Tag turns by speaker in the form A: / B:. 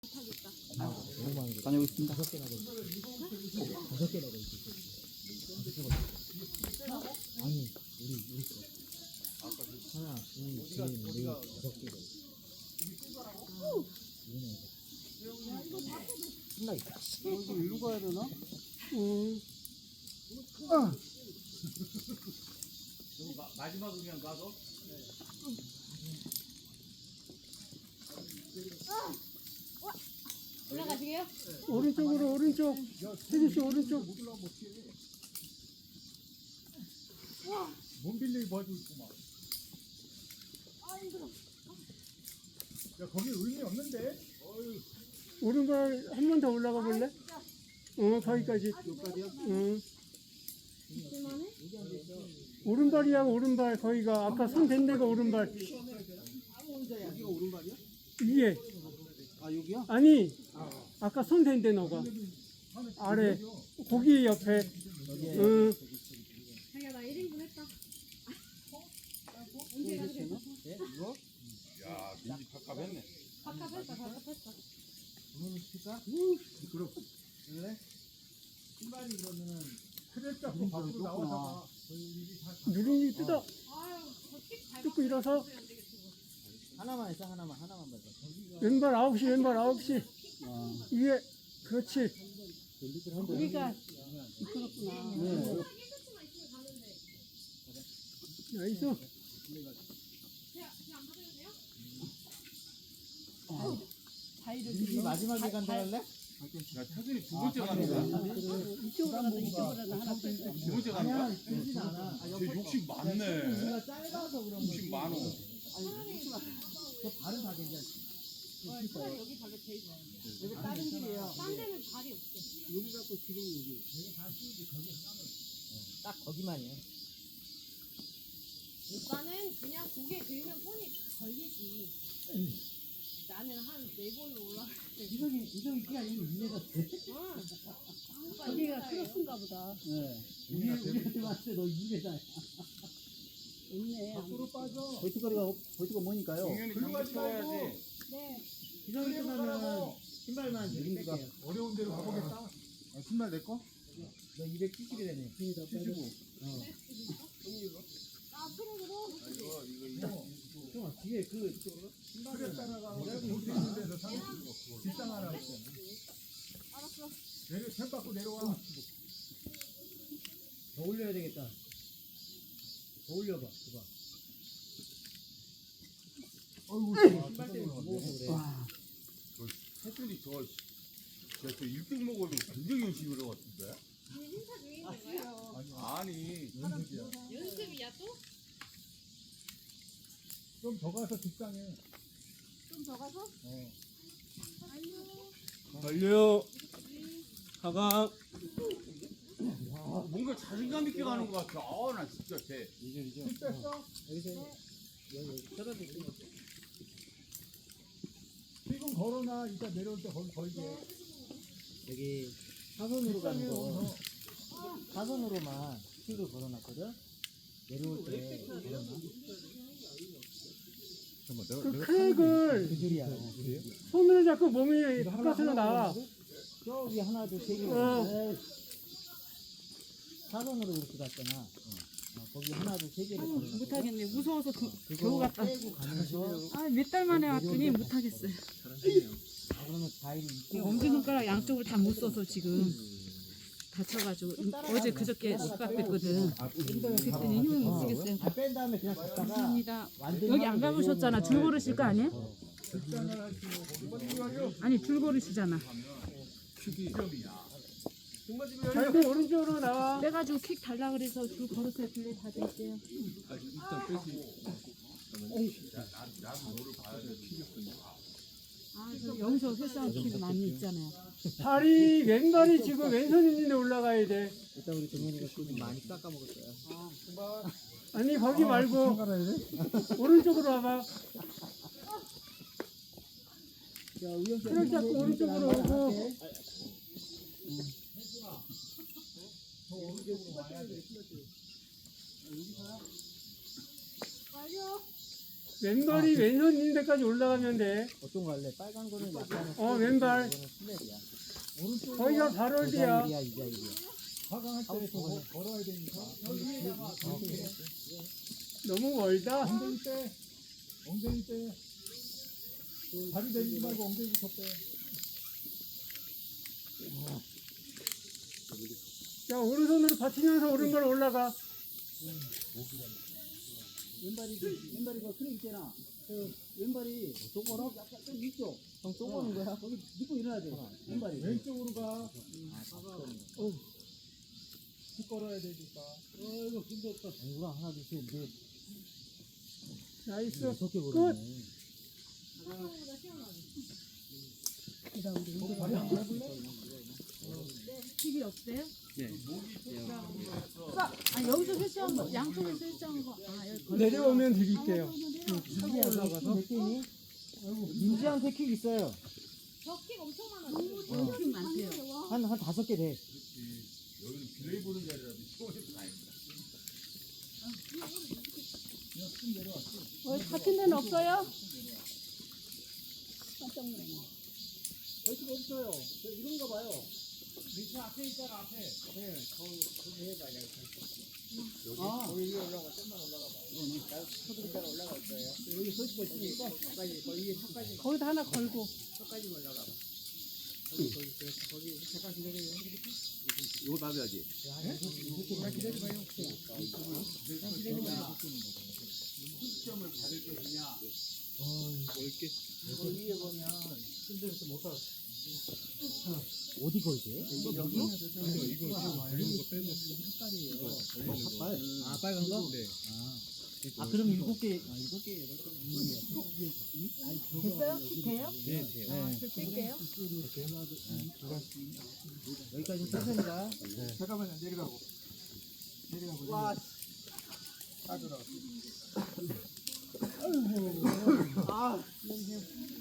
A: 다녀오겠습니다.
B: 아니 우리 거 하나 둘셋넷 다섯 개 신나 있다.
A: 이거 일로 가야 되나?
C: 마지막 그냥 가서
D: 올라가시게요?
A: 오른쪽으로 오른쪽. 혜주씨 오른쪽.
C: 몸 빌리기 봐주고 있구만. 야 거기 의미 없는데?
A: 오른발 한 번 더 올라가 볼래? 거기까지. 오른발이야 오른발. 거기가 아까 손 댄 데가 오른발.
B: 여기가 오른발이야?
A: 위에.
B: 아 여기야?
A: 아니 아까 손 댄 데 너가 아래 고기 옆에.
D: 자기야 나 1인분 했다. 언제 가도 돼?
B: 네? 이거?
C: 야 민지 팍팍했네.
D: 밥값했다.
B: 오늘 시킬까? 그럼 그래? 신발이 그러면은
C: 크레 잡고 밖으로 나와서
A: 누룽이 뜯어.
D: 아유 어떻게 잘
A: 뜯고 일어서.
B: 하나만 했어 하나만 봐봐.
A: 왼발 9시 왼발 9시. 위에. 그렇지.
D: 우리가
B: 네.
A: 나이스.
B: 이 마지막에 간다 할래?
C: 야 태준이 두 번째 가는 거야?
D: 이쪽으로 가서 이쪽으로 하나 빼고.
C: 두 번째 가는 거야?
B: 그러진 않아.
C: 쟤 욕심 많네.
B: 우리가 짧아서 그런 거지.
C: 욕심 많어.
B: 저 발은 다 괜찮지.
D: 여기 발로 제일 좋아.
B: 여기 다른 길이에요.
D: 딴 데는 발이 없어.
B: 여기 갖고 지금 여기. 딱 거기만이야.
D: 오빠는 그냥 고개 들면 손이 걸리지. 나는 한 4번을 올라갈 때.
B: 이정이 끼가 아니고 이해가 돼.
D: 거기가 크로스인가 보다.
B: 네. 우리한테 봤을 때 너 2m야.
D: 있네.
B: 벌칙거리가 뭐니까요?
C: 공연이 장갑쳐야지.
D: 네.
B: 기성이 끝나면 신발만 누룽지가
C: 어려운 데로 가보겠다. 신발 내 거?
B: 너 270이 되네. 75.
D: 아, 트랙으로?
C: 이거.
B: 형 뒤에 그
C: 크레 따라가 볼수 있는 데서 사는 뒷땅 하나 있어.
D: 알았어.
C: 템 받고 내려와.
B: 더 올려야 되겠다. 더 올려봐. 봐봐.
C: 어이구
B: 신발 때문에 무거워서 그래.
C: 태준이 저 1등 먹어도 굉장히 열심히 들어갔던데?
D: 행사 중인 건가요?
C: 아니
D: 연습이야 또?
C: 좀 더 가서 뒷땅에.
D: 좀 더 가서?
A: 달려. 하강.
C: 뭔가 자신감 있게 가는 것 같아. 나 진짜 쟤.
B: 힘 뺐어? 여기서 여기 떨어져 있어.
C: 지금 걸어놔. 이따 내려올 때 걸게.
B: 여기 사선으로 가는 거. 사선으로만 킥을 걸어놨거든. 내려올 때 걸어놔.
A: 그 크랙을
B: 그 줄이야.
A: 손으로 잡고 몸이 바깥으로 나와.
B: 저기 하나 둘세 개. 사선으로 그렇게 갔잖아. 거기 하나 둘세 개를 걸어놨.
E: 못하겠네. 무서워서
B: 겨우 갔다. 빼고 가면서.
E: 몇 달 만에 왔더니 못하겠어요.
B: 그러면 과일이
E: 이 엄지손가락 양쪽을 다 못 써서 지금 다쳐가지고 어제 그저께 숙박됐거든. 그랬더니 힘을 못 쓰겠어요.
B: 뺀 다음에 그냥 갔다가
E: 감사합니다.
B: 완전히
E: 여기 안 가보셨잖아. 줄 걸으실 거 아니에요? 아니 줄 걸으시잖아.
A: 절대 오른쪽으로 나와.
E: 빼가지고 킥 달라 그래서 줄 걸으세요. 빌레 다 드릴게요. 저 여기서 회사원 킥 많이 있잖아요.
A: 발이 왼발이 지금 왼손 있는데 올라가야 돼.
B: 일단 우리 동현이가 좀 많이 깎아 먹었어요.
A: 아니 거기 말고 오른쪽으로 와봐. 트랙 잡고 오른쪽으로 오고.
D: 완료.
A: 왼발이 왼손 있는 데까지 올라가면 돼.
B: 어떤 거 할래? 빨간 거는 약간
A: 왼발.
B: 이거는 슬랩이야. 오른쪽
A: 거기가 바로 어디야?
B: 이 자일이야.
C: 화강할 때 걸어야 되니까.
A: 너무 멀다.
C: 엉덩이 빼. 엉덩이 빼. 다리 대지 말고 엉덩이부터 빼.
A: 자, 오른손으로 받치면서 오른발 올라가.
B: 왼발이 그 크랙 있잖아. 그 왼발이 쪼거라? 약간 좀 이쪽. 형 쪼거는 거야? 거기 믿고 일어나야 돼. 왼발이.
C: 왼쪽으로 가. 쭉 걸어야 되니까.
B: 아이고 힘들었다. 아니구나. 하나 둘 셋 넷.
A: 나이스.
B: 6개
A: 끝.
B: 걸었네.
D: 사과보다 시원하네.
C: 다리 한번 해볼래?
E: TV 없어요? 아 여기서 설치한 거, 양쪽에 설치한 거. 아 여기 걸려.
A: 내려오면 드릴게요.
B: 올라가서 몇 개니? 민지한테 킥 있어요.
D: 벽킥 엄청 많아.
E: 킥 많대요.
B: 한 5개 돼.
C: 여기는 비레이 보는 자리라도 시원해서 다행이다.
E: 같은 데는 없어요?
B: 벌칙 없어요. 저 이런가 봐요.
A: 밑에 앞에 있잖아, 앞에.
B: 네, 거기 해봐.
A: 거기
B: 위에 올라가, 좀만 올라가 봐. 나 초등반 올라갈 거예요. 여기 설치가 있으니까 거기 위에 턱까지,
E: 거기다 하나 걸고.
B: 턱까지 올라가 봐. 거기 잠깐 기다려요.
C: 이거 놔줘야지.
B: 기다려봐요.
C: 시점을 받을 것이냐.
B: 이거 위에 보면 힘들어서 못 가. 어디 걸게? 여기? 색깔이에요. 삭발? 아, 빨간 거? 네. 아, 그럼 7개, 7개, 8개.
E: 됐어요? 돼요?
B: 네, 돼요.
E: 뺄게요.
B: 여기까지 천천히 가.
C: 잠깐만요, 내려가고. 내려가고. 와, 다 들어갔어.
B: 아,